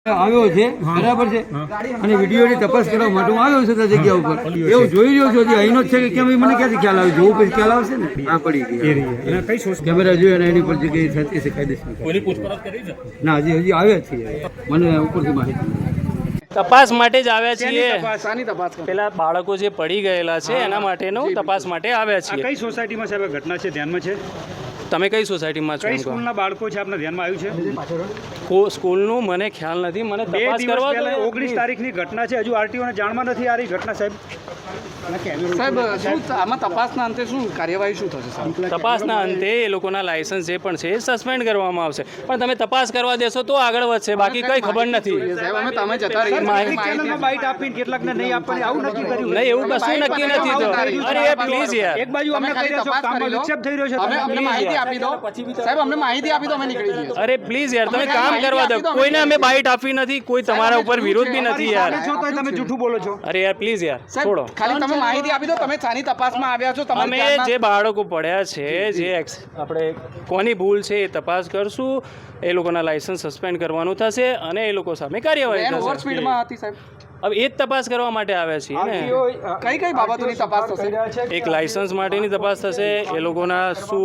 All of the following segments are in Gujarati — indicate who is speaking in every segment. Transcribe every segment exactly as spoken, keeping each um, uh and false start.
Speaker 1: આવ્યો છે બરાબર છે અને વિડીયોની તપાસ કરવા માટે હું આવ્યો છું તે જગ્યા ઉપર એવું જોઈ રહ્યો છું અહીંનો જ છે કે કેમ એ મને ક્યાંથી ખ્યાલ આવે જોવું પછી ખ્યાલ આવશે ને આ પડી ગઈ કેમેરા જોયો અને એની પર જગ્યાએ થતી છે કાયદેસર ના હજી હજી આવ્યા છીએ મને ઉપરથી માહિતી
Speaker 2: તપાસ માટે જ આવ્યા છીએ પેલા બાળકો જે પડી ગયેલા છે એના માટેનું તપાસ માટે આવ્યા છીએ
Speaker 3: કઈ સોસાયટીમાં સાહેબ ઘટના છે ધ્યાનમાં છે
Speaker 2: તમે કઈ સોસાયટીમાં છો
Speaker 3: કઈ સ્કૂલના બાળકો છે આપના ધ્યાનમાં આવ્યું છે
Speaker 2: સ્કૂલનું મને ખ્યાલ નથી મને તપાસ કરવા
Speaker 3: ઓગણીસ તારીખની ઘટના છે હજુ આરટીઓને જાણમાં નથી આ રહી ઘટના સાહેબ
Speaker 4: સાહેબ શું આમાં તપાસના અંતે શું કાર્યવાહી શું થશે
Speaker 2: તપાસના અંતે એ લોકોના લાયસન્સ જે પણ છે એ સસ્પેન્ડ કરવામાં આવશે પણ તમે તપાસ કરવા દેશો તો આગળ વધશે બાકી કઈ ખબર નથી
Speaker 4: સાહેબ અમે તમે જતા
Speaker 3: ચેનલમાં બાઇટ આપીને કેટલાકને નહીં આપવાની આવું નક્કી કર્યું
Speaker 2: નહીં એવું કશું નક્કી નથી તો અરે પ્લીઝ યાર
Speaker 3: એક બાજુ અમને કહી રહ્યો છો કામમાં વિક્ષેપ થઈ રહ્યો છે
Speaker 4: અમને માહિતી આપી દો સાહેબ અમને માહિતી આપી દો અમે નીકળી જઈએ
Speaker 2: અરે પ્લીઝ યાર તમે કામ કરવા દો કોઈને અમે બાઇટ આપી નથી કોઈ તમારા ઉપર વિરોધ બી નથી યાર
Speaker 3: છો તો તમે જૂઠું બોલો છો
Speaker 2: અરે યાર પ્લીઝ યાર છોડો
Speaker 4: ખાલી તમે માહિતી આપી દો તમે સાની તપાસમાં આવ્યા છો
Speaker 2: અમે જે બાળકો પડ્યા છે જે આપણે કોની ભૂલ છે એ તપાસ કરશું એ લોકોના લાયસન્સ સસ્પેન્ડ કરવાનું થશે અને એ લોકો સામે કાર્યવાહી થશે
Speaker 4: ઓવર સ્પીડમાં હતી સાહેબ
Speaker 2: હવે એ જ તપાસ કરવા માટે આવ્યા છીએ ને
Speaker 4: કઈ કઈ બાબતોની તપાસ થશે
Speaker 2: એક લાયસન્સ માટેની તપાસ થશે એ લોકોના શું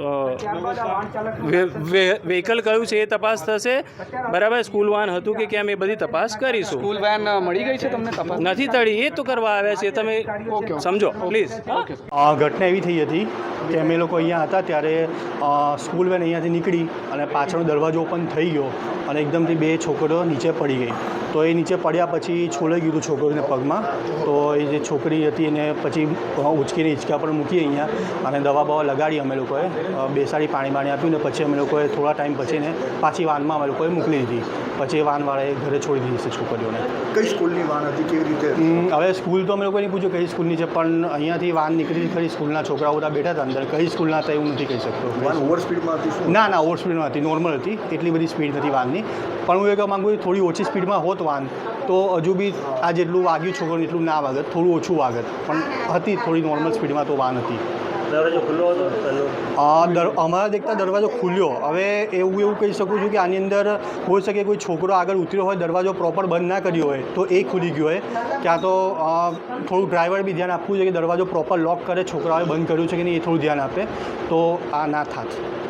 Speaker 2: વ્હીકલ કયું છે એ તપાસ થશે બરાબર સ્કૂલ વાન હતું કે કેમ એ બધી તપાસ કરીશું
Speaker 4: સ્કૂલ વેન મળી ગઈ છે તમને તપાસ
Speaker 2: નથી તળી એ તો કરવા આવ્યા છે તમે સમજો પ્લીઝ
Speaker 5: ઘટના એવી થઈ હતી કે અમે લોકો અહીંયા હતા ત્યારે સ્કૂલ વેન અહીંયાથી નીકળી અને પાછળનો દરવાજો ઓપન થઈ ગયો અને એકદમથી બે છોકરીઓ નીચે પડી ગઈ તો એ નીચે પડ્યા પછી છોલાઈ ગયું હતું છોકરીને પગમાં તો એ જે છોકરી હતી એને પછી ઉચકીને હિંચકા પર મૂકી અહીંયા અને દવા બવા લગાડી અમે લોકોએ બેસાડી પાણી બાણી આપ્યું ને પછી અમે લોકોએ થોડા ટાઈમ પછીને પાછી વાનમાં અમે લોકોએ મોકલી દીધી પછી એ વાનવાળાએ ઘરે છોડી દીધી છે છોકરીઓને
Speaker 6: કઈ સ્કૂલની વાન હતી કેવી રીતે
Speaker 5: હવે સ્કૂલ તો અમે લોકોએ નહીં પૂછ્યું કઈ સ્કૂલની છે પણ અહીંયાથી વાન નીકળી ખરી સ્કૂલના છોકરાઓ બધા બેઠા હતા અંદર કઈ સ્કૂલના હતા એવું નથી કહી શકતો
Speaker 6: વાન ઓવર સ્પીડમાં હતી
Speaker 5: ના ના ઓવર સ્પીડમાં હતી નોર્મલ હતી એટલી બધી સ્પીડ નથી વાનની પણ હું એ કહેવા માગું થોડી ઓછી સ્પીડમાં હોત વાન તો હજુ બી આ જેટલું વાગ્યું છોકરોને એટલું ના વાગત થોડું ઓછું વાગત પણ હતી થોડી નોર્મલ સ્પીડમાં તો વાન હતી
Speaker 1: દરવાજો ખુલ્લો હતો
Speaker 5: અમારા દેખતા દરવાજો ખુલ્યો હવે એવું એવું કહી શકું છું કે આની અંદર હોઈ શકે કોઈ છોકરો આગળ ઉતર્યો હોય દરવાજો પ્રોપર બંધ ના કર્યો હોય તો એ ખુલી ગયો હોય ક્યાં તો થોડું ડ્રાઈવર બી ધ્યાન આપવું છે કે દરવાજો પ્રોપર લોક કરે છોકરાઓએ બંધ કર્યું છે કે નહીં એ થોડું ધ્યાન આપે તો આ ના થાત